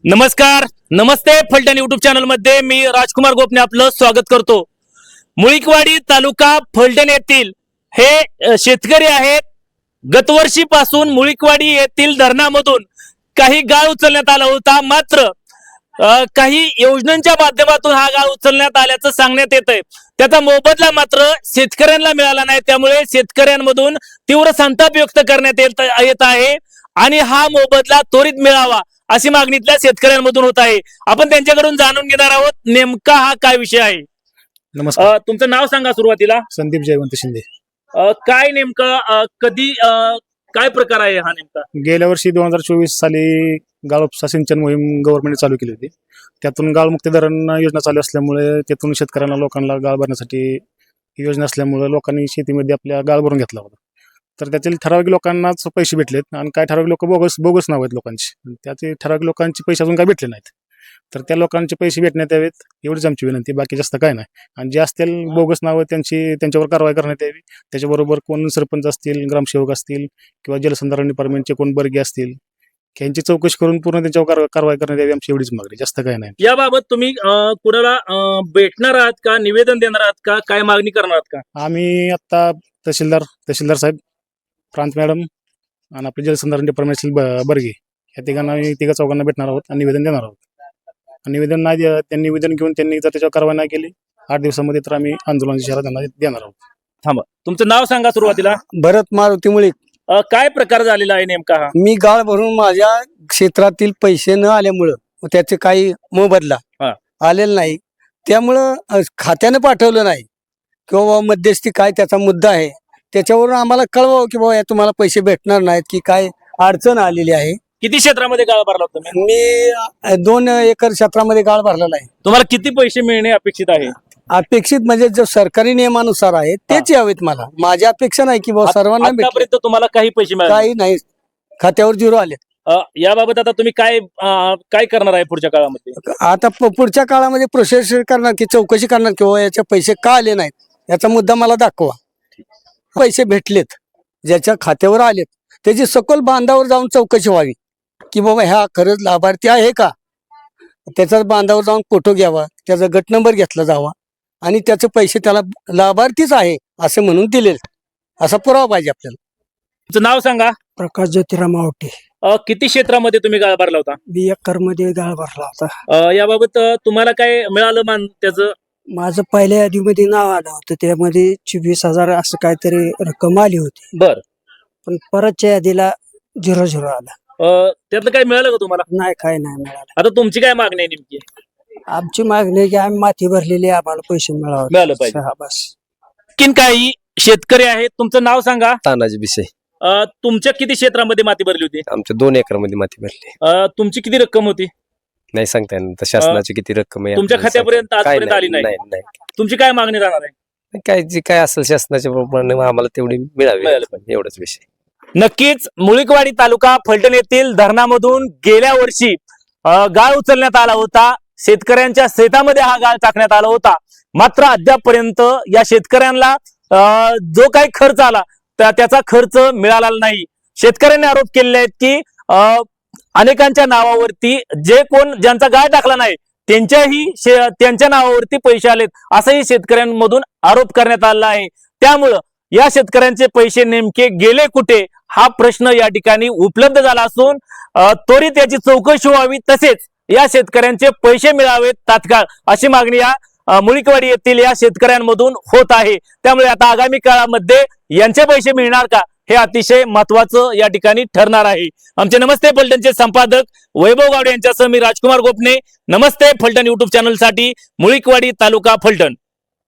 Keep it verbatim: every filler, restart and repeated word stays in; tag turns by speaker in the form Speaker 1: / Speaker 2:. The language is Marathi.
Speaker 1: नमस्कार, नमस्ते फलटण युट्यूब चॅनल मध्ये मी राजकुमार गोपने आपलं स्वागत करतो। मुळीकवाडी तालुका फलटण येथील हे शेतकरी आहेत। गतवर्षीपासून मुळीकवाडी येथील धरणामधून काही गाळ उचलण्यात आला होता, मात्र काही योजनांच्या माध्यमातून हा गाळ उचलण्यात आल्याचं सांगण्यात येतंय। त्याचा मोबदला मात्र शेतकऱ्यांना मिळाला नाही, त्यामुळे शेतकऱ्यांमधून तीव्र संताप व्यक्त करण्यात येत आहे आणि हा मोबदला त्वरित मिळावा अशी मागणीतल्या शेतकऱ्यांमधून होत आहे। आपण त्यांच्याकडून जाणून घेणार आहोत नेमका हा काय विषय आहे।
Speaker 2: नमस्कार,
Speaker 1: तुमचं नाव सांगा सुरुवातीला।
Speaker 2: संदीप जयवंत शिंदे।
Speaker 1: काय नेमकं कधी काय प्रकार आहे हा नेमका? गेल्या
Speaker 2: वर्षी दोन हजार चोवीस साली गाळ उपसा सिंचन मोहीम गव्हर्नमेंट चालू केली होती। त्यातून गाळ मुक्ती धरण योजना चालू असल्यामुळे त्यातून शेतकऱ्यांना लोकांना गाळ भरण्यासाठी योजना असल्यामुळे लोकांनी शेतीमध्ये आपल्या गाळ भरून घेतला होता। तर त्यातील ठराविक लोकांनाच पैसे भेटलेत आणि काय ठराविक लोक बोगस बोगस नाव आहेत लोकांची, त्याचे ठराविक लोकांचे पैसे अजून काय भेटले नाहीत। तर त्या लोकांचे पैसे भेटण्यात यावेत एवढीच आमची विनंती, बाकी जास्त काय नाही। आणि जे असतील बोगस नावं त्यांची त्यांच्यावर कारवाई करण्यात यावी। त्याच्याबरोबर कोण सरपंच असतील, ग्रामसेवक असतील किंवा जलसंधारण डिपार्टमेंटचे कोण बर्गे असतील यांची चौकशी करून पूर्ण त्यांच्यावर कारवाई करण्यात यावी, आमची एवढीच मागणी, जास्त काय नाही।
Speaker 1: याबाबत तुम्ही कुणाला भेटणार आहात का, निवेदन देणार आहात का, काय मागणी करणार आहात का?
Speaker 2: आम्ही आता तहसीलदार तहसीलदार साहेब, प्रांत मॅडम आणि आपले जलसंधारण डिपार्टमेंट बर्गे या तिघांना तिघा चौघांना भेटणार आहोत आणि निवेदन देणार आहोत। निवेदन नाही त्यांनी निवेदन घेऊन त्यांनी जर त्याच्यावर कारवाई नाही केली आठ दिवसामध्ये तर आम्ही आंदोलनाची इशारा त्यांना देणार आहोत।
Speaker 1: थांबा, तुमचं नाव सांगा सुरुवातीला।
Speaker 3: भरत मारुती मुळे।
Speaker 1: काय प्रकार झालेला आहे नेमका हा?
Speaker 3: मी गाळ भरून माझ्या क्षेत्रातील पैसे न आल्यामुळं त्याचे काही मोबदला आलेला नाही, त्यामुळं खात्याने पाठवलं नाही किंवा मध्यस्थी काय त्याचा मुद्दा आहे त्याच्यावरून आम्हाला कळवावं की बाबा तुम्हाला पैसे भेटणार नाहीत की काय अडचण आलेली आहे।
Speaker 1: किती क्षेत्रामध्ये गाळ भरला होता तुम्ही?
Speaker 3: मी दोन एकर क्षेत्रामध्ये गाळ भरलेला आहे।
Speaker 1: तुम्हाला किती पैसे मिळणे अपेक्षित आहे?
Speaker 3: अपेक्षित म्हणजे जो सरकारी नियमानुसार आहे तेच यावेत मला, माझी अपेक्षा नाही की बाबा सर्वांना
Speaker 1: आतापर्यंत तुम्हाला काही पैसे मिळाले?
Speaker 3: काही नाही, खात्यावर झिरो आले।
Speaker 1: याबाबत आता तुम्ही काय काय करणार आहे पुढच्या काळामध्ये?
Speaker 3: आता पुढच्या काळामध्ये प्रोसेस करणार की चौकशी करणार किंवा याचे पैसे का आले नाहीत याचा मुद्दा मला दाखवा। पैसे भेटलेत ज्याच्या खात्यावर आलेत त्याची सखोल बांधावर जाऊन चौकशी व्हावी की बाबा ह्या खरंच लाभार्थी आहे का, त्याचा बांधावर जाऊन फोटो घ्यावा, त्याचा गट नंबर घेतला जावा आणि त्याचे पैसे त्याला लाभार्थीच आहे असे म्हणून दिले असा पुरावा पाहिजे आपल्याला।
Speaker 1: तुमचं नाव सांगा।
Speaker 4: प्रकाश ज्योतिराम आवटे।
Speaker 1: किती क्षेत्रामध्ये तुम्ही गाळ भरला होता?
Speaker 4: बी एकर मध्ये गाळ भरला होता।
Speaker 1: याबाबत तुम्हाला काय मिळालं मान त्याचं?
Speaker 4: माझं पहिल्या यादीमध्ये नाव आलं होतं, त्यामध्ये चोवीस हजार असं काहीतरी रक्कम आली होती।
Speaker 1: बर,
Speaker 4: पण परतच्या यादीला झिरो झिरो आला।
Speaker 1: त्यातलं काय मिळालं का तुम्हाला?
Speaker 4: नाही, काय नाही मिळालं।
Speaker 1: आता तुमची काय मागणी आहे नेमकी?
Speaker 4: आमची मागणी आहे की आम्ही माती भरलेली आम्हाला पैसे मिळावे,
Speaker 1: मिळालं पाहिजे।
Speaker 4: हा, बस।
Speaker 1: किन काही शेतकरी आहेत, तुमचं नाव सांगा।
Speaker 5: तानाजी विषय।
Speaker 1: तुमच्या किती क्षेत्रामध्ये माती भरली होती?
Speaker 5: आमच्या दोन एकर मध्ये माती भरली।
Speaker 1: तुमची किती रक्कम होती?
Speaker 5: नाही सांगता येणार, शासनाची किती रक्कम आहे
Speaker 1: तुमच्या खात्यापर्यंत आजपर्यंत आली नाही?
Speaker 5: नाही।
Speaker 1: तुमची काय मागणी राहणार आहे?
Speaker 5: काय जी काय असेल शासनाच्या प्रमाणे आम्हाला तेवढी मिळावी, एवढाच विषय।
Speaker 1: नक्कीच मुळीकवाडी तालुका फलटण येथील धरणामधून गेल्या वर्षी गाळ उचलण्यात आला होता। शेतकऱ्यांच्या शेतामध्ये हा गाळ टाकण्यात आला होता, मात्र अद्यापपर्यंत या शेतकऱ्यांना जो काही खर्च आला त्याचा खर्च मिळाला नाही। शेतकऱ्यांनी आरोप केलेले आहेत की अनेकांच्या नावावरती जे कोण ज्यांचा गाळ टाकला नाही त्यांच्याही त्यांच्या नावावरती पैसे आलेत असंही शेतकऱ्यांमधून आरोप करण्यात आला आहे। त्यामुळं या शेतकऱ्यांचे पैसे नेमके गेले कुठे हा प्रश्न या ठिकाणी उपलब्ध झाला असून त्वरित याची चौकशी व्हावी, तसेच या शेतकऱ्यांचे पैसे मिळावेत तात्काळ अशी मागणी या मुळीकवाडी येथील या शेतकऱ्यांमधून होत आहे। त्यामुळे आता आगामी काळामध्ये यांचे पैसे मिळणार का हे अतिशय महत्वाचं या ठिकाणी ठरणार आहे। आमचे नमस्ते फलटणचे संपादक वैभव गावडे यांच्यासह मी राजकुमार गोपने, नमस्ते फलटण युट्यूब चॅनल साठी मुळीकवाडी तालुका फलटण।